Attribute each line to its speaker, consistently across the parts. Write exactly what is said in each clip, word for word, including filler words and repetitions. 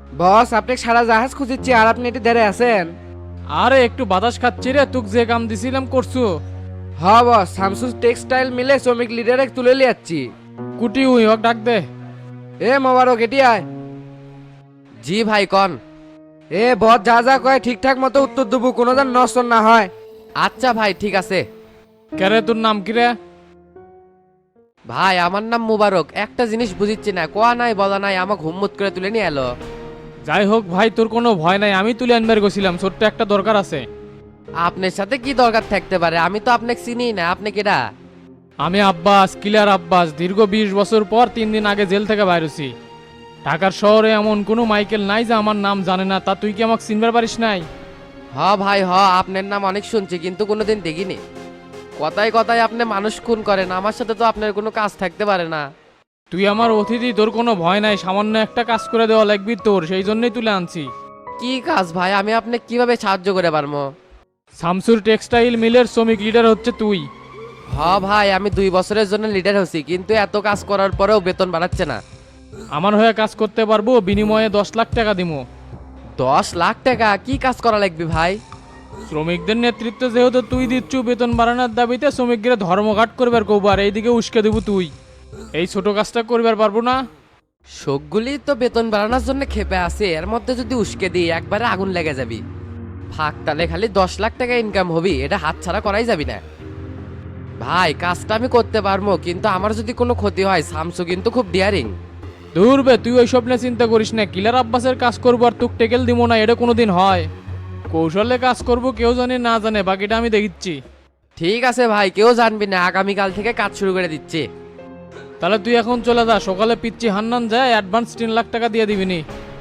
Speaker 1: বস আপনি সারা জাহাজ খুঁজিচ্ছি আর আপনি এটি ধরে আছেন।
Speaker 2: আরে একটু বাতাস খাচ্ছি রে, তুক যে কাম দিছিলাম করছু।
Speaker 1: হ বস শামসুস টেক্সটাইল মিলে শ্রমিক লিডারে তুলে লিয়াচ্ছি।
Speaker 2: কুটি উই হোক ডাক দে।
Speaker 1: এ মোবারক এটি আয়।
Speaker 3: জি ভাই কন।
Speaker 1: এ বস যা যা কয় ঠিকঠাক মতো উত্তর দেবো, কোনো যেন নষ্ট না হয়।
Speaker 3: আচ্ছা ভাই ঠিক আছে।
Speaker 2: কেরে তোর নাম কি রে?
Speaker 3: ভাই আমার নাম মুবারক। একটা জিনিস বুঝিচ্ছি না, কোয়া নাই বলা নাই আমাকে হুম্মত করে তুলে নিয়ে এলো।
Speaker 2: যাই হোক ভাই, তোর কোনো ভয় নাই, আমি তুলে আনবার গেছিলাম, ছোট্ট একটা দরকার আছে।
Speaker 3: আপনার সাথে কি দরকার থাকতে পারে? আমি তো আপনাকে চিনি না, আপনি কেডা?
Speaker 2: আমি আব্বাস, কিলার আব্বাস, দীর্ঘ বিশ বছর পর তিন দিন আগে জেল থেকে বাইরেছি। ঢাকার শহরে এমন কোনো মাইকেল নাই যে আমার নাম জানে না, তা তুই কি আমাকে চিনবার পারিস নাই?
Speaker 3: হ ভাই হ, আপনার নাম অনেক শুনছি কিন্তু কোনোদিন দেখিনি। কথায় কথায় আপনি মানুষ খুন করেন, আমার সাথে তো আপনার কোনো কাজ থাকতে পারে না।
Speaker 2: তুই আমার অতিথি, তোর কোনো ভয় নাই, সামান্য একটা কাজ করে দেওয়া লাগবি তোর, সেই জন্যই তুলে আনছি।
Speaker 3: কি কাজ ভাই? আমি আপনি কিভাবে সাহায্য করে পারবো?
Speaker 2: শামসুর টেক্সটাইল মিলের শ্রমিক লিডার হচ্ছে তুই।
Speaker 3: হ ভাই, আমি দুই বছরের জন্য লিডার হচ্ছি, কিন্তু এত কাজ করার পরেও বেতন বাড়াচ্ছে না।
Speaker 2: আমার হয়ে কাজ করতে পারবো, বিনিময়ে দশ লাখ টাকা দিমো।
Speaker 3: দশ লাখ টাকা? কি কাজ করা লাগবে ভাই?
Speaker 2: শ্রমিকদের নেতৃত্ব যেহেতু তুই দিচ্ছু, বেতন বাড়ানোর দাবিতে শ্রমিকদের ধর্মঘাট করবার কবার, এইদিকে উস্কে দেবো তুই। এই ছোট কাজটা করবার পারবো না?
Speaker 3: শোকগুলি তো বেতন বাড়ানোর জন্য খেপে আছে, এর মধ্যে যদি উস্কে দিই একবারে আগুন লেগে যাবি। ফাঁক তালে খালি দশ লাখ টাকা ইনকাম হবি, এটা হাত ছাড়া করাই যাবি না। ভাই কাজটা আমি করতে পারবো, কিন্তু আমার যদি কোনো ক্ষতি হয়, শামসু কিন্তু খুব ডিয়ারিং।
Speaker 2: দূর বে, তুই ওই স্বপ্নে চিন্তা করিস না, কিলার আব্বাসের কাজ করবো আর তুক টেকেল দিব না, এটা কোনোদিন হয়? কৌশলে কাজ করবো, কেউ জানে না জানে, বাকিটা আমি দেখিচ্ছি।
Speaker 3: ঠিক আছে ভাই, কেউ জানবি না, আগামীকাল থেকে কাজ শুরু করে দিচ্ছি।
Speaker 2: তাহলে তুই এখন চলে যা, সকালে পিচ্ছি হান্নান যায় অ্যাডভান্স তিন লাখ টাকা দিয়ে দিবিনি,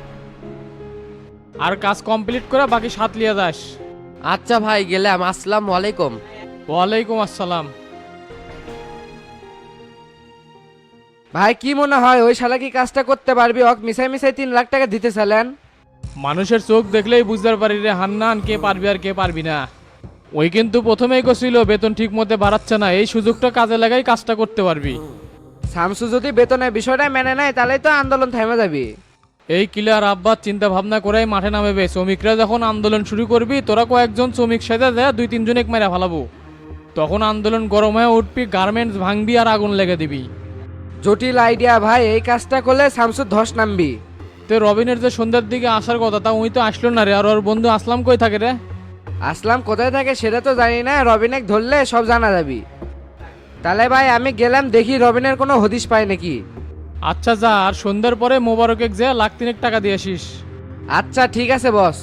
Speaker 2: আর কাজ কমপ্লিট করে বাকি সাত লিয়ে যাস।
Speaker 3: আচ্ছা ভাই গেলাম, আসসালামু আলাইকুম।
Speaker 2: ওয়ালাইকুম আসসালাম।
Speaker 1: ভাই কি মনে হয় ওই শালা কি কাজটা করতে পারবি? অক মিশাই মিশাই তিন লাখ টাকা দিতে চালেন।
Speaker 2: মানুষের চোখ দেখলেই বুঝতে পারি রে হান্নান, কে পারবি আর কে পারবি না। ওই কিন্তু প্রথমেই কছিল বেতন ঠিক মতো বাড়াচ্ছে না, এই সুযোগটা কাজে লাগাই কাজটা করতে পারবি।
Speaker 1: শামসু যদি বেতনের বিষয়টা মেনে নেয় তাহলেই তো আন্দোলন থেমে যাবি।
Speaker 2: এই কিলার আব্বাস চিন্তা ভাবনা করেই মাঠে নামেবে, শ্রমিকরা যখন আন্দোলন শুরু করবি, তোরা কয়েকজন শ্রমিক সেজে দেয় দুই তিনজন এক মেরা ফালাবো, তখন আন্দোলন গরম হয়ে উঠবি, গার্মেন্টস ভাঙবি আর আগুন লেগে দিবি।
Speaker 1: জটিল আইডিয়া ভাই, এই কাজটা করলে শামসুর ধস নামবি।
Speaker 2: তো রবিনের যে সন্ধ্যার দিকে আসার কথা, তা উই তো আসলো না রে, আর ওর বন্ধু আসলাম কই থাকে রে?
Speaker 1: আসলাম কোথায় থাকে সেটা তো জানি না, রবিনেক ধরলে সব জানা যাবি। তাহলে ভাই আমি গেলাম, দেখি রবিনের কোনো হদিশ পায় নাকি।
Speaker 2: আচ্ছা যা, আর সন্ধ্যার পরে মোবারকে যে লাখ তিনেক টাকা দিয়ে আসিস।
Speaker 1: আচ্ছা ঠিক আছে বস।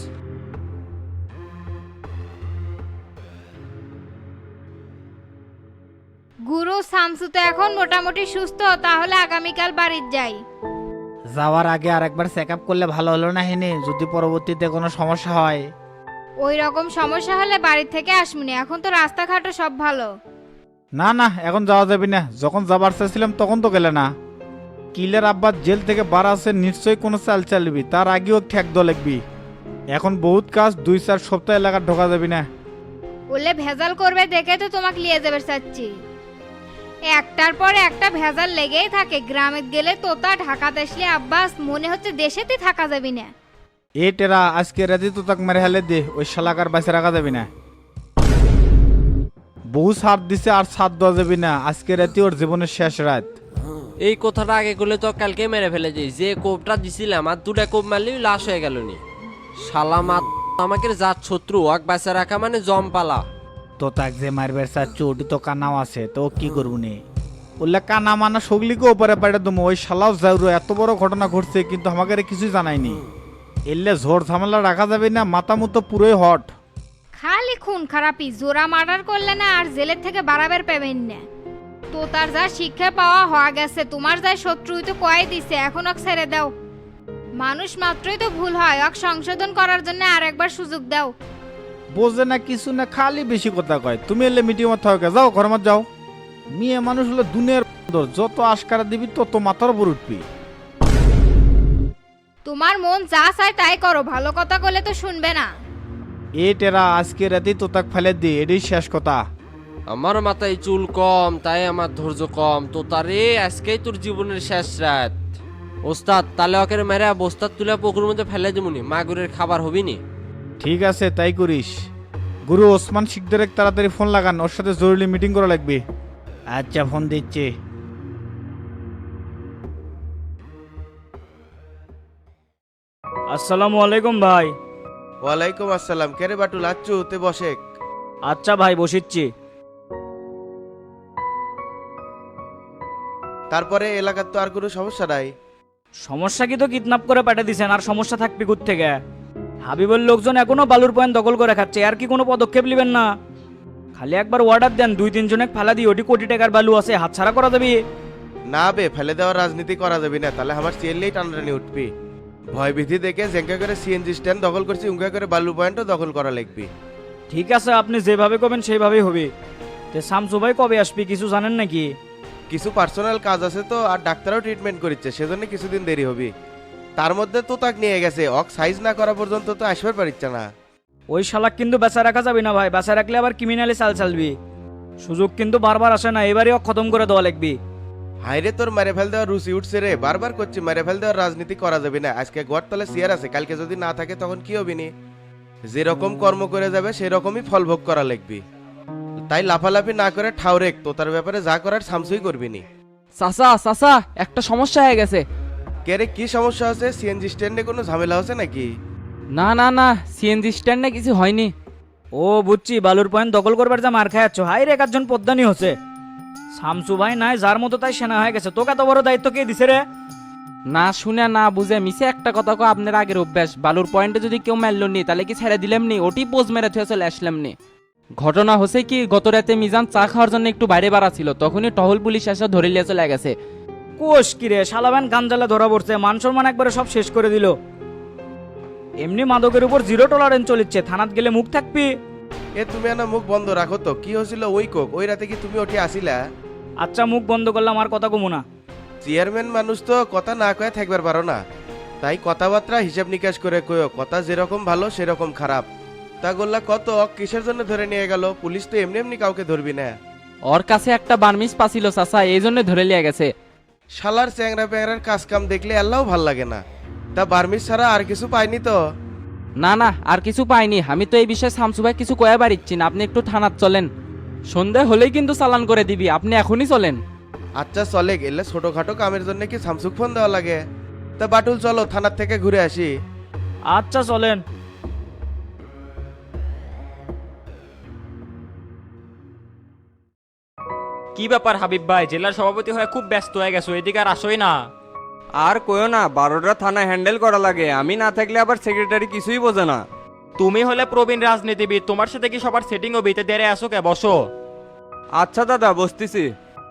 Speaker 4: গুরু শামসু তো এখন মোটামুটি সুস্থ, তাহলে আগামীকাল বাড়ির যাই।
Speaker 5: যাওয়ার আগে আরেকবার চেক আপ করলে ভালো হলো না হিনি, যদি পরবর্তীতে কোনো সমস্যা হয়।
Speaker 4: ওই রকম সমস্যা হলে বাড়ির থেকে আসবনি, এখন তো রাস্তাঘাটও সব ভালো।
Speaker 5: না না, এখন যাওয়া যাবে না, যখন যাবার চাইছিলাম তখন তো গেলে না। কিলের আব্বার জেল থেকে বার আছে, নিশ্চয়ই কোনো চাল চালবি, তার আগেও ঠেক দ লাগবি। এখন বহুত কাজ, দুই চার সপ্তাহ এলাকা ঢোকা যাবি না।
Speaker 4: বললে ভেজাল করবে দেখে তো তোমাকে নিয়ে যাবে চাচ্ছি। একটার পর একটা ভেজাল লেগেই থাকে, গ্রামে গেলে তোতা, ঢাকাতে আসলে আব্বাস, মনে হচ্ছে দেশেতে থাকা যাবে না।
Speaker 5: এ টেরা, আজকে রাতে তো তাক মেরে হেলে দে, ওই শালাকার বাসে রাখা যাবি না। বহু সার দিছে আর সার দেওয়া যাবি না, আজকে রাতে ওর জীবনের শেষ রাত।
Speaker 6: এই কথাটা আগে করলে তো কালকে মেরে ফেলে যাই, যে কোপটা দিছিলাম আর দুটা কোপ মারলেই লাশ হয়ে গেল নি। শালা মাত আমাকে জাত শত্রু, ওয়াক বাঁচা রাখা মানে জম পালা।
Speaker 5: তো তাক যে মারবার চাচ্ছু, ওটি তো কানাও আছে, তো ও কি করবো নি? বললে কানা মানা সগলিকে ওপরে পাড়ে দেবো, ওই শালাও যাইরো, এত বড় ঘটনা ঘটছে কিন্তু আমাকে কিছুই জানায়নি। এলে ঝড় ঝামেলা রাখা যাবে না, মাথা মতো পুরোই হট।
Speaker 4: খালি খুন খারাপি, জোরা মার্ডার করলে না আর জেলের থেকে বাড়াবার পাবেন না। তো তার যা শিক্ষা পাওয়া হওয়া গেছে, তোমার যা শত্রু তো কয়ে দিছে, এখন ওকে ছেড়ে দাও। মানুষ মাত্রই তো ভুল হয়, ওকে সংশোধন করার জন্য আর একবার সুযোগ দাও।
Speaker 5: বোঝে না কিছু না, খালি বেশি কথা কয়। তুমি এলে মিটিং মত থাকে, যাও ঘর মত যাও। মেয়ে মানুষ হলো দুনিয়ার বান্দর, যত আশকারা দিবি তত মাথার উপর উঠবি।
Speaker 4: তোমার মন যা চায় তাই করো, ভালো কথা বলে তো শুনবে না।
Speaker 5: এ টেরা, আজকে রাতেই তো তাক ফেলে দি, এটাই শেষ কথা।
Speaker 6: আমার মাথায় চুল কম, তাই আমার ধৈর্য কম। তো তারে আজকেই তোর জীবনের শেষ রাত। ওস্তাদ তাহলে ওকে মেরে বস্তার তুলে পুকুরের মধ্যে ফেলে দিমুনি মাগুরের খাবার হবি নি।
Speaker 5: ঠিক আছে তাই করিস। গুরু ওসমান শিকদারের তাড়াতাড়ি ফোন লাগান, ওর সাথে জরুরি মিটিং করা লাগবে। আচ্ছা ফোন দিচ্ছে।
Speaker 7: আসসালামু আলাইকুম ভাই।
Speaker 8: ওয়ালাইকুম আসসালাম। কেরে বাটুল আচ্ছু তে বসেক।
Speaker 7: আচ্ছা ভাই বসিচ্ছি।
Speaker 8: তারপরে এলাকার তো আর কোনো সমস্যা নাই?
Speaker 7: সমস্যা কি, তো কিডন্যাপ করে পাঠিয়ে দিছেন, আর সমস্যা থাকবে কোথা থেকে? হাবিবের লোকজন এখনো বালুর পয়েন্ট দখল করে খাচ্ছে, আর কি কোনো পদক্ষেপ নেবেন না? খালি একবার অর্ডার দেন, দুই তিনজনে ফালা দিই, ওটি কোটি টাকার বালু আছে, হাতছাড়া করা যাবে।
Speaker 8: না বে, ফেলে দেওয়ার রাজনীতি করা যাবে না, তাহলে আমার সিএললেই টানাটানি উঠবি। ভয় ভীতি দেখে জেঙ্কা করে সিএনজি স্ট্যান্ড দখল করছি, উঙ্কা করে বালু পয়েন্টও দখল করা লাগবে।
Speaker 7: ঠিক আছে, আপনি যেভাবে করবেন সেইভাবেই হবে। তে শামসু ভাই কবে আসবি কিছু জানেন নাকি?
Speaker 8: কিছু পার্সোনাল কাজ আছে তো, আর ডাক্তারও ট্রিটমেন্ট করছে, সেজন্য কিছুদিন দেরি হবে। তার মধ্যে তো তাক নিয়ে গেছে, অক সাইজ না করা পর্যন্ত তো আসবার পারিচ্ছে না।
Speaker 7: ওই শালাক কিন্তু বেচা রাখা যাবে না ভাই, বেচা রাখলে আবার ক্রিমিনালি চাল চালবি। সুযোগ কিন্তু বারবার আসে না, এবারেও খতম করে দেওয়া লাগবে।
Speaker 8: হাইরে তোর মেরে ফেল দেওয়ার রুচি উঠছে রে, বারবার করছি মেরে ফেল দেওয়ার রাজনীতি করা যাবে না। আজকে গড় তলে চেয়ার আছে, কালকে যদি না থাকে তখন কি হবে নি? যেরকম কর্ম করে যাবে সেরকমই ফল ভোগ করা লাগবে। তাই লাফালাফি না করে ঠাউরেক, তো তার ব্যাপারে যা করার সামসুই করবি নি।
Speaker 9: চাচা চাচা একটা সমস্যা হয়ে গেছে।
Speaker 8: কে রে, কি সমস্যা আছে? সিএনজি স্ট্যান্ডে কোনো ঝামেলা হচ্ছে নাকি?
Speaker 9: না না না, সিএনজি স্ট্যান্ডে কিছু হয়নি।
Speaker 7: ও বুঝছি, বালুর পয়েন্ট দখল করবার যা মার খায়াচ্ছ, হাই রে একজন পদ্মানি হচ্ছে। শামসু ভাই নাই যার মতো তাই সেনা হয়ে গেছে, তোকে এত বড় দায়িত্ব কে দিছে রে?
Speaker 9: না শুনে না বুঝে মিশে একটা কথা কো, আপনার আগের অভ্যাস। বালুর পয়েন্টে যদি কেউ মারল নি তাহলে কি ছেড়ে দিলাম নি? ওটি পোজ মেরে থুয়ে চলে আসলাম নি। ঘটনা হচ্ছে কি, গত রাতে মিজান চা খাওয়ার জন্য একটু বাইরে বাড়া ছিল, তখনই টহল পুলিশ এসে ধরে লিয়ে চলে গেছে।
Speaker 7: কোষ কিরে, শালাবান গাঞ্জালে ধরা পড়ছে, মান সম্মান একবারে সব শেষ করে দিল। এমনি মাদকের উপর জিরো টলারেন্স চলিচ্ছে, থানাত গেলে মুখ থাকবি।
Speaker 8: এ তুমি না মুখ বন্ধ রাখো তো, কি হয়েছিল ওই কোক? ওই রাতে কি তুমি ওটি আসিলা?
Speaker 7: আচ্ছা মুখ বন্ধ করলাম, আর কথা কমু না।
Speaker 8: চেয়ারম্যান মানুষ তো কথা না কয়ে থাকবার পারো না, তাই কথাবার্তা হিসাব নিকাশ করে কয়ো। কথা যেরকম ভালো সেরকম খারাপ। তা গোল্লা কত অক কিসের জন্য ধরে নিয়ে গেল? পুলিশ তো এমনি এমনি কাউকে ধরবি না।
Speaker 9: ওর কাছে একটা বার্মিস পাছিল চাচা, এই জন্য ধরে লিয়ে গেছে।
Speaker 8: শালার চ্যাংরা প্যাংরার কাজ কাম দেখলে আল্লাহ ভাল লাগে না। তা বার্মিস ছাড়া আর কিছু পাইনি তো?
Speaker 9: না না, আর কিছু পাইনি। আমি তো এই বিষয়ে শামসু ভাই কিছু কয়ে পারিচ্ছি না, আপনি একটু থানাত চলেন। সন্ধ্যা হলেই কিন্তু চালান করে দিবি, আপনি এখনই চলেন।
Speaker 8: আচ্ছা চলে গেলে ছোটখাটো কামের জন্য কি সামসুক ফোন দেওয়া লাগে? তা বাটুল চলো থানার থেকে ঘুরে আসি।
Speaker 7: আচ্ছা চলেন।
Speaker 10: কি ব্যাপার হাবিব ভাই, জেলার সভাপতি হয়ে খুব ব্যস্ত হয়ে গেছো, এদিকে আর আসোই না।
Speaker 11: আর কইও না, বারোটা থানা হ্যান্ডেল করা লাগে, আমি না থাকলে আবার সেক্রেটারি কিছুই বোঝে না।
Speaker 10: তুমি হলে প্রবীণ রাজনীতিবিদ, তোমার সাথে কি সবার সেটিং হবে? এতে দেরে আসো কে, বসো।
Speaker 11: আচ্ছা দাদা বসতেছি।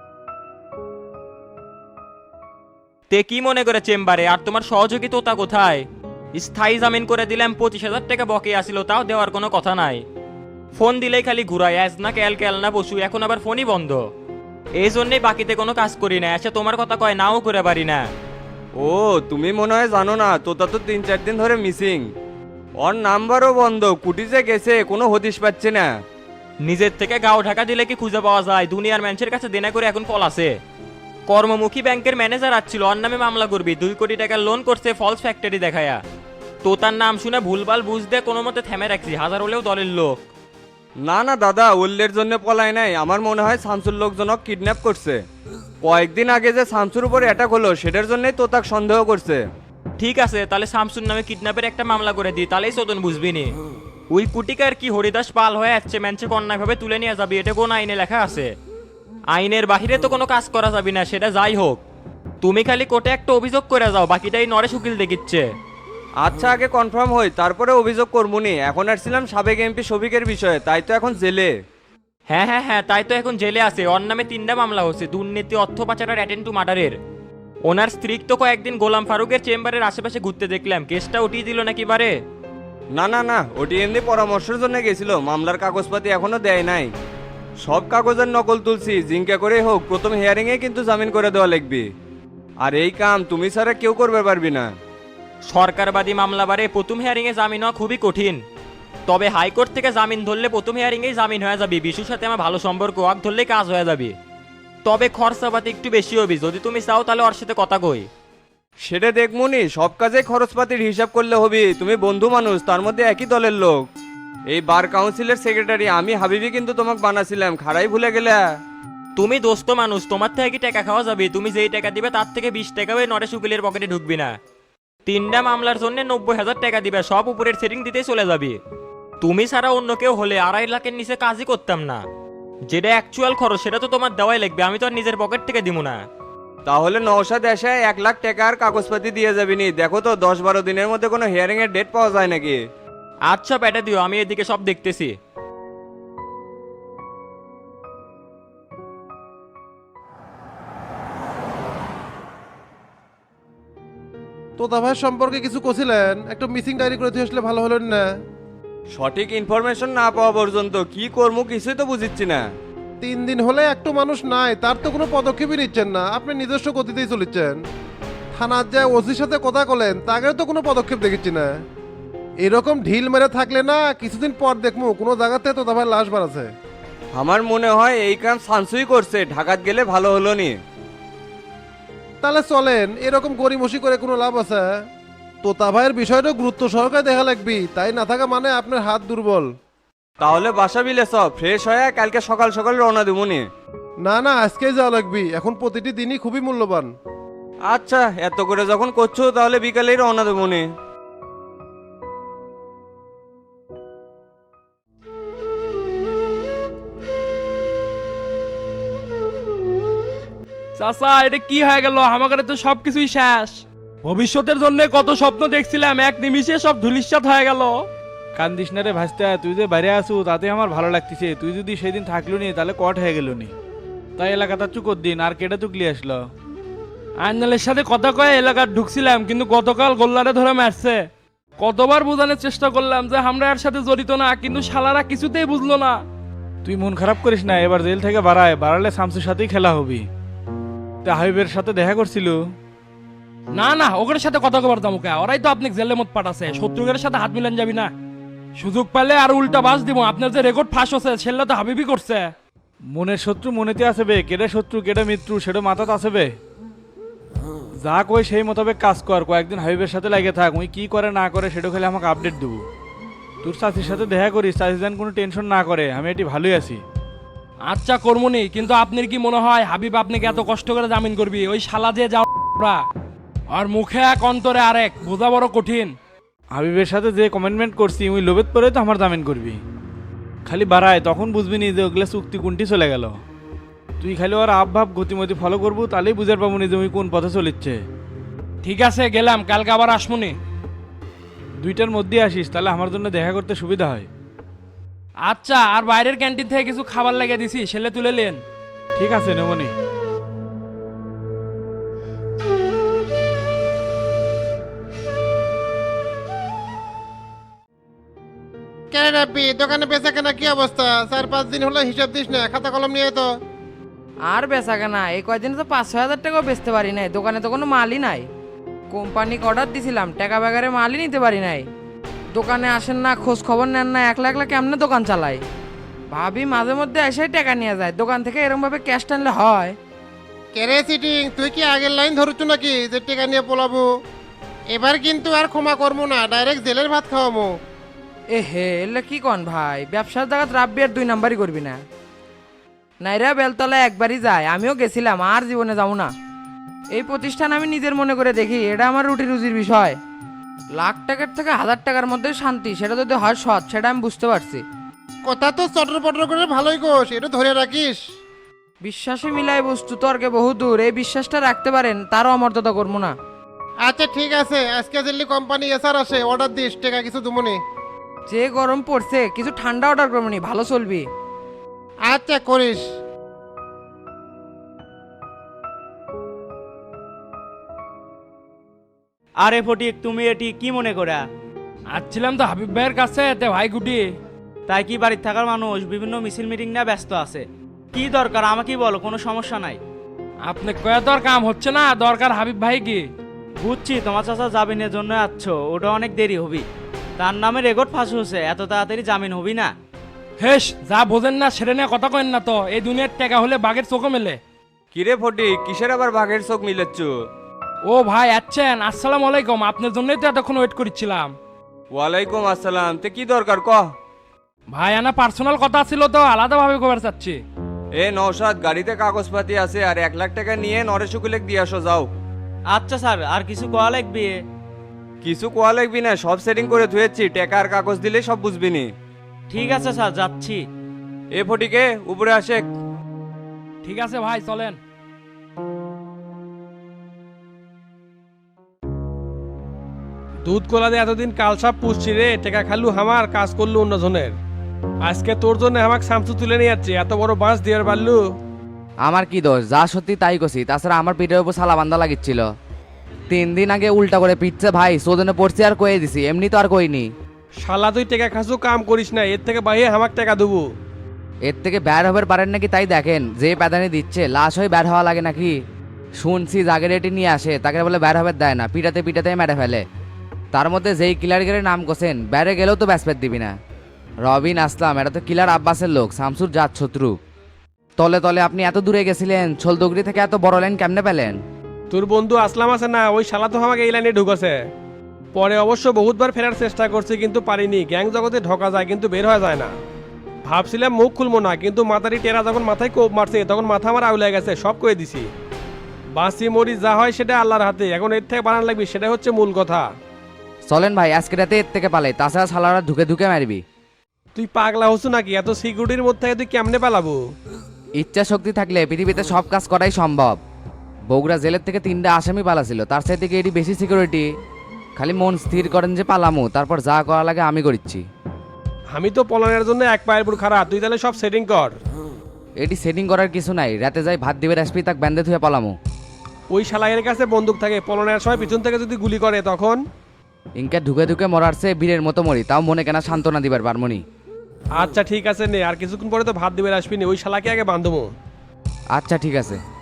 Speaker 10: তে কি মনে করে চেম্বারে? আর তোমার সহযোগী তোতা কোথায়? স্থায়ী জামিন করে দিলাম, পঁচিশ হাজার টাকা বকে আসিল, তাও দেওয়ার কোনো কথা নাই। ফোন দিলেই খালি ঘুরায়, আজ না ক্যাল ক্যাল না বসু, এখন আবার ফোনই বন্ধ। এই জন্যই বাকিতে কোনো কাজ করি না, এসে তোমার কথা কয় নাও করে পারি না।
Speaker 11: ও তুমি মনে হয় জানো না, তোতা তো তিন চার দিন ধরে মিসিং। ওর নাম্বারও বন্ধ, কুটি যে গেছে কোনো হদিশ পাচ্ছে না।
Speaker 10: নিজের থেকে গাও ঢাকা দিলে কি খুঁজে পাওয়া যায়? দুনিয়ার মানুষের কাছে দেনা করে এখন পল আছে। কর্মমুখী ব্যাংকের ম্যানেজার আসছিল, ওর নামে মামলা করবি, দুই কোটি টাকার লোন করছে ফলস ফ্যাক্টরি দেখায়া। তো তার নাম শুনে ভুলভাল বুঝতে কোনো মতে থেমে রাখছি, হাজার হলেও দলের লোক।
Speaker 11: না না দাদা, ওল্লের জন্য পলায় নাই, আমার মনে হয় শামসুর লোকজনক কিডন্যাপ করছে। কয়েকদিন আগে যে শামসুর উপর অ্যাটাক হলো সেটার জন্যই তো তাকে সন্দেহ করছে।
Speaker 10: ঠিক আছে, তাহলে শামসুর নামে কিডন্যাপের একটা মামলা করে দিই, তাহলেই চোদন বুঝবি নি। ওই কুটিকার কি হরিদাস পাল হয়ে যাচ্ছে, ম্যানচে অন্যায়ভাবে তুলে নিয়ে যাবি, এটা কোন আইনে লেখা আছে? আইনের বাহিরে তো কোনো কাজ করা যাবে না, সেটা যাই হোক। তুমি খালি কোর্টে একটা অভিযোগ করে যাও, বাকিটাই নরেশ উকিল দেখিচ্ছে।
Speaker 11: আচ্ছা আগে কনফার্ম হই, তারপরে অভিযোগ করবনি। এখন আসছিলাম সাবেক এমপি শফিকের বিষয়ে, তাই তো এখন জেলে।
Speaker 10: হ্যাঁ হ্যাঁ হ্যাঁ, তাই তো এখন জেলে আছে। ওর নামে তিনটা মামলা হচ্ছে, দুর্নীতি, অর্থ পাচার আর অ্যাটেন্ড টু মার্ডারের। ওনার স্ত্রী তো কয়েকদিন গোলাম ফারুকের চেম্বারের আশেপাশে ঘুরতে দেখলাম, কেসটা উঠিয়ে দিল নাকি বারে?
Speaker 11: না না না, ওটি এমনি পরামর্শের জন্য গেছিল, মামলার কাগজপাতি এখনো দেয় নাই। সব কাগজের নকল তুলছি, জিঙ্কা করে হোক প্রথম হিয়ারিং এ কিন্তু জামিন করে দেওয়া লাগবে। আর এই কাম তুমি ছাড়া কেউ করবে পারবি না।
Speaker 10: সরকারবাদী মামলা বারে প্রথম হিয়ারিং এ জামিন হওয়া খুবই কঠিন। তবে হাইকোর্ট থেকে জামিন ধরলে প্রথম হিয়ারিং এই জামিন হয়ে যাবে। বিশুর সাথে আমার ভালো সম্পর্ক, আগ ধরলে কাজ হয়ে যাবে। তবে খরচাপাতি একটু বেশি হবে, যদি তুমি চাও তাহলে ওর সাথে কথা কই।
Speaker 11: সেটা দেখমুনি, সব কাজে খরচপাতির হিসাব করলে হবে। তুমি বন্ধু মানুষ, তার মধ্যে একই দলের লোক। এই বার কাউন্সিলের সেক্রেটারি আমি হাবিবি কিন্তু তোমাকে বানাছিলাম, খারাই ভুলে গেলে।
Speaker 10: তুমি দোস্ত মানুষ, তোমার থেকে কি টাকা খাওয়া যাবে? তুমি যেই টাকা দিবে তার থেকে বিশ টাকা ওই নরেশ উকিলের পকেটে ঢুকবি না। তিনটা মামলার জন্য নব্বই হাজার টাকা দিবে, সব উপরের সেটিং দিতেই চলে যাবে। তুমি ছাড়া অন্য কেউ হলে আড়াই লাখের নিচে কাজই করতাম না। যেটা অ্যাকচুয়াল খরচ সেটা তো তোমার দেওয়াই লাগবে, আমি তো আর নিজের পকেট থেকে দিব না।
Speaker 11: তাহলে নওশাদ এসে এক লাখ টাকার কাগজপাতি দিয়ে যাবিনি। দেখো তো দশ বারো দিনের মধ্যে কোনো হিয়ারিং এর ডেট পাওয়া যায় নাকি?
Speaker 10: আচ্ছা পেটে দিও, আমি এদিকে সব দেখতেছি।
Speaker 12: তোতা ভাই সম্পর্কে কিছু কছিলেন? একটা মিসিং ডায়েরি করে দিয়ে আসলে ভালো হলো না?
Speaker 11: সঠিক ইনফরমেশন না পাওয়া পর্যন্ত কি করবো কিছুই তো বুঝিচ্ছি না।
Speaker 12: তিন দিন হলে একটু মানুষ নাই, তার তো কোনো পদক্ষেপই নিচ্ছেন না। আপনি নিজস্ব গতিতেই চলেছেন। থানার যায় ওসির সাথে কথা বলেন, তাগেও তো কোনো পদক্ষেপ দেখেছি না। এরকম ঢিল মেরে থাকলে না কিছুদিন পর দেখবো কোনো জায়গাতে তোতা ভাই লাশ বাড়াছে।
Speaker 11: আমার মনে হয় এই কাম সানসুই করছে, ঢাকাত গেলে ভালো হলো নি।
Speaker 12: তাহলে চলেন, এরকম গড়িমসি করে কোনো লাভ আছে? তোতা ভাইয়ের বিষয়টা গুরুত্ব সহকারে দেখা লাগবি, তাই না থাকা মানে আপনার হাত দুর্বল।
Speaker 11: তাহলে বাসা বিলে সব ফ্রেশ হয়ে কালকে সকাল সকাল রওনা দেবনি।
Speaker 12: না না, আজকেই যাওয়া লাগবি, এখন প্রতিটি দিনই খুবই মূল্যবান।
Speaker 11: আচ্ছা এত করে যখন করছো তাহলে বিকালেই রওনা দেবনি।
Speaker 2: চাচা এটা কি হয়ে গেল? আমাদের তো সবকিছুই শেষ। ভবিষ্যতের জন্য কত স্বপ্ন দেখছিলাম, এক নিমিষে সব ধুলিস্যাৎ হয়ে গেল।
Speaker 5: কান্দিস না রে ভাস্তা, তুই যে বাইরে আসু তাতে আমার ভালো লাগতেছে। তুই যদি সেদিন থাকলো নি তাহলে কট হয়ে গেল নি। তাই এলাকাটা চুকর দিন আর কেটে তুকলি আসলো।
Speaker 2: আইনালের সাথে কথা কয়ে এলাকার ঢুকছিলাম, কিন্তু গতকাল গোল্লারে ধরে মারছে। কতবার বোঝানোর চেষ্টা করলাম যে আমরা এর সাথে জড়িত না, কিন্তু শালারা কিছুতেই বুঝলো না।
Speaker 5: তুই মন খারাপ করিস না, এবার জেল থেকে বাড়ায়, বাড়ালে শামসুর সাথেই খেলা হবি। তা হাবিবের সাথে দেখা করছিল?
Speaker 2: না না, ওদের সাথে কথা কবার দাম ওকে, ওরাই তো আপনি জেলের মত পাঠাছে। শত্রুদের সাথে হাত মিলান যাবি না। সুযোগ পেলে আর উল্টা বাস দিব। আপনার যে রেকর্ড ফাঁস হচ্ছে সেটা তো হাবিবি করছে।
Speaker 5: মনের শত্রু মনেতে আসবে, কেটে শত্রু কেটে মিত্রু সেটা মাথাত আসবে। যা কই সেই মোতাবেক কাজ কর, কয়েকদিন হাবিবের সাথে লাগে থাক। উই কি করে না করে সেটা খালি আমাকে আপডেট দেবো। তোর চাষির সাথে দেখা করিস, চাষি যেন কোনো টেনশন না করে। আমি এটি ভালোই আছি।
Speaker 2: আচ্ছা কর্মনি, কিন্তু আপনার কি মনে হয় হাবিব আপনাকে এত কষ্ট করে জামিন করবি? ওই শালা যে যাওয়া আর মুখে এক অন্তরে আরেক, বোঝা বড় কঠিন।
Speaker 5: হাবিবের সাথে যে কমেন্টমেন্ট করছি ওই লোভেত পরে তো আমার জামিন করবি। খালি বাড়ায় তখন বুঝবি নি যে ওগুলা চুক্তি কোনটি চলে গেল। তুই খালি ওর আবভাব গতিমতি ফলো করবো, তাহলেই বুঝার পাবো নি যে ওই কোন পথে চলিচ্ছে।
Speaker 2: ঠিক আছে গেলাম, কালকে আবার আসমুনি।
Speaker 5: দুইটার মধ্যে আসিস, তাহলে আমার জন্য দেখা করতে সুবিধা হয়।
Speaker 2: আচ্ছা, আর বাইরের ক্যান্টিন থেকে কিছু খাবার লাগিয়ে দিছি, সেলে তুলে নেন।
Speaker 5: ঠিক আছে নেমনি।
Speaker 12: কেন রাব্বি, দোকানে বেচা কেনা কি অবস্থা? চার পাঁচ দিন হলো হিসাব দিস না, খাতা কলম নিয়ে তো।
Speaker 3: আর বেচা কেনা এই কয়দিন তো পাঁচ ছয় হাজার টাকাও বেচতে পারি নাই। দোকানে তো কোনো মালই নাই। কোম্পানিকে অর্ডার দিছিলাম, টাকা ব্যাগারে মালই নিতে পারি নাই। দোকানে আসেন না, খোঁজ খবর নেন না, একলা একলা কেমনে দোকান চালাই? ভাবি মাঝে মধ্যে এসেই টাকা নিয়ে যায়, দোকান থেকে এরকম ভাবে ক্যাশ টানলে হয়?
Speaker 12: কেরে সিটিং, তুই কি আগের লাইন ধরছ নাকি যে টেকা নিয়ে পলাবো? এবার কিন্তু আর ক্ষমা করবো না, ডাইরেক্ট জেলের ভাত খাওয়াবো।
Speaker 3: এ হে, এলে কি কন ভাই? ব্যবসার জায়গাত রাব্বি আর দুই নাম্বারই করবি না। নাইরা বেলতলা একবারই যায়, আমিও গেছিলাম, আর জীবনে যাবো না। এই প্রতিষ্ঠান আমি নিজের মনে করে দেখি, এটা আমার রুটি রুজির বিষয়। লাখ টাকার থেকে হাজার টাকার মধ্যে শান্তি, সেটা যদি হয় সৎ, সেটা আমি বুঝতে পারছি।
Speaker 12: কথা তো চটর পটর করে ভালোই কোষ, এটা ধরে রাখিস।
Speaker 3: বিশ্বাসে মিলাই বস্তু তর্কে বহুদূর। এই বিশ্বাসটা রাখতে পারেন, তারও অমর্যাদা করবো না।
Speaker 12: আচ্ছা ঠিক আছে, আজকে দিল্লি কোম্পানি এসআর আসে, অর্ডার দিস, টাকা কিছু দুমনি।
Speaker 3: যে গরম পড়ছে, কিছু ঠান্ডা অর্ডার করবো নি, ভালো চলবি।
Speaker 12: আচ্ছা করিস।
Speaker 7: আরে ফটিক, তুমি এটি কি মনে করা?
Speaker 2: আসছিলাম তো হাবিব ভাইয়ের কাছে, তে ভাই গুটি।
Speaker 7: তাই কি বাড়ির থাকার মানুষ বিভিন্ন মিছিল মিটিং নিয়ে ব্যস্ত আছে? কি দরকার আমাকে বলো, কোনো সমস্যা নাই।
Speaker 2: আপনি কয়া তোর কাম হচ্ছে না, দরকার হাবিব ভাই কি?
Speaker 7: বুঝছি তোমার চাচা জামিনের জন্য আসছো, ওটা অনেক দেরি হবি। তার নামে রেকর্ড ফাঁস হচ্ছে, এত তাড়াতাড়ি জামিন হবি না।
Speaker 2: হেস, যা বোঝেন না সেটা নিয়ে কথা কেন না তো। এই দুনিয়ার টাকা হলে বাঘের চোখে মেলে।
Speaker 11: কিরে ফটি, কিসের আবার বাঘের চোখ মিলেচ্ছ?
Speaker 2: ও ভাই আচ্ছেন, আসসালামু আলাইকুম। আপনার জন্যই তো এতক্ষণ ওয়েট করছিলাম।
Speaker 11: ওয়ালাইকুম আসসালাম, তে কি দরকার কহ।
Speaker 2: ভাই আনা পার্সোনাল কথা ছিল তো, আলাদাভাবে খবর চাচ্ছি।
Speaker 11: এ নৌসাদ, গাড়িতে কাগজপাতি আছে আর এক লাখ টাকা নিয়ে নরেশ উকিলেক দিয়ে আসো যাও।
Speaker 7: আচ্ছা স্যার, আর কিছু কোয়া লাগবে?
Speaker 11: কিছু কোয়া লাগবি না, সব সেটিং করে ধুয়েছি, টাকা আর কাগজ দিলে সব বুঝবি নি।
Speaker 7: ঠিক আছে স্যার, যাচ্ছি।
Speaker 11: এ ফটিকে উপরে আসে।
Speaker 2: ঠিক আছে ভাই, চলেন।
Speaker 13: দুধ কোলা দিয়ে এতদিন কালসাপ পুষছি রে, টেকা খালু হামার কাজ করলু অন্যজনের। আজকে তোর জন্য আমাকে সামসু তুলে নিয়ে যাচ্ছে, এত বড় বাঁশ দিয়ে পারলু।
Speaker 3: আমার কি দোষ? যা সত্যি তাই কছি। তাছাড়া আমার পিঠের উপর সালা বান্ধা লাগিচ্ছিল। তিন দিন আগে উল্টা করে পিটছে ভাই, সোজনে পড়ছি আর কয়ে দিছি, এমনি তো আর কইনি।
Speaker 13: শালা তুই টেকা খাসু কাম করিস না, এর থেকে বাইরে আমাকে টাকা দেবো।
Speaker 3: এর থেকে বের হবার পারেন নাকি তাই দেখেন। যে প্যাদানি দিচ্ছে লাশ হয়ে বের হওয়া লাগে নাকি? শুনছি জাগের এটি নিয়ে আসে, তাকে বলে বের হবার দেয় না, পিটাতে পিটাতে মেরে ফেলে। তার মধ্যে যেই কিলার গেলে নাম কোসেন, বেড়ে গেলেও তো ব্যাসপেট দিবি না। রবিন আসলাম, এটা তো কিলার আব্বাসের লোক, শামসুর জাত শত্রু। তলে তলে আপনি এত দূরে গেছিলেন, ছোলদগড়ি থেকে এত বড় লাইন কেমনে পেলেন?
Speaker 13: তোর বন্ধু আসলাম আছে না, ওই শালা তো আমাকে এই লাইনে ঢুকেছে। পরে অবশ্য বহুতবার ফেরার চেষ্টা করছি কিন্তু পারিনি। গ্যাং জগতে ঢোকা যায় কিন্তু বের হওয়া যায় না। ভাবছিলাম মুখ খুলবো না, কিন্তু মাথারি টেরা যখন মাথায় কোপ মারছে তখন মাথা আমার আউলে গেছে, সব কয়ে দিছি। বাঁচি মরি যা হয় সেটা আল্লাহর হাতে, এখন এর থেকে বানান লাগবে, সেটা হচ্ছে মূল কথা।
Speaker 3: চলেন ভাই, আজকে রাতে এর থেকে পালাই, তাছাড়া শালারা ঢুকে ঢুকে মারবি।
Speaker 13: তুই পাগলা হচ্ছ নাকি? এত সিকিউরিটির মধ্যে থেকে তুই কেমনে পালাবো?
Speaker 3: ইচ্ছা শক্তি থাকলে পৃথিবীতে সব কাজ করাই সম্ভব। বগুড়া জেলের থেকে তিনটা আসামি পালাছিল, তার সাথে থেকে এটি বেশি সিকিউরিটি। খালি মন স্থির করেন যে পালামু, তারপর যা করা লাগে আমি করিচ্ছি।
Speaker 13: আমি তো পলানের জন্য এক পায়ের পুর খারাপ, তুই তাহলে সব সেটিং কর।
Speaker 3: এটি সেটিং করার কিছু নাই, রাতে যাই ভাত দিবে আসবি, তাক ব্যান্ডে ধুয়ে পালামু।
Speaker 13: ওই শালাইয়ের কাছে বন্দুক থাকে, পলানের সময় পিছন থেকে যদি গুলি করে তখন?
Speaker 3: ইনকে ঢুকে ঢুকে মরারছে বীরের মতো মরি, তাও মনে কেনা সান্ত্বনা দিবার পারমনি।
Speaker 13: আচ্ছা ঠিক আছে নে, আর কিছুক্ষণ পরে তো ভাত দিবে আসবি নি, ওই শালাকে আগে বান্ধবো।
Speaker 3: আচ্ছা ঠিক আছে।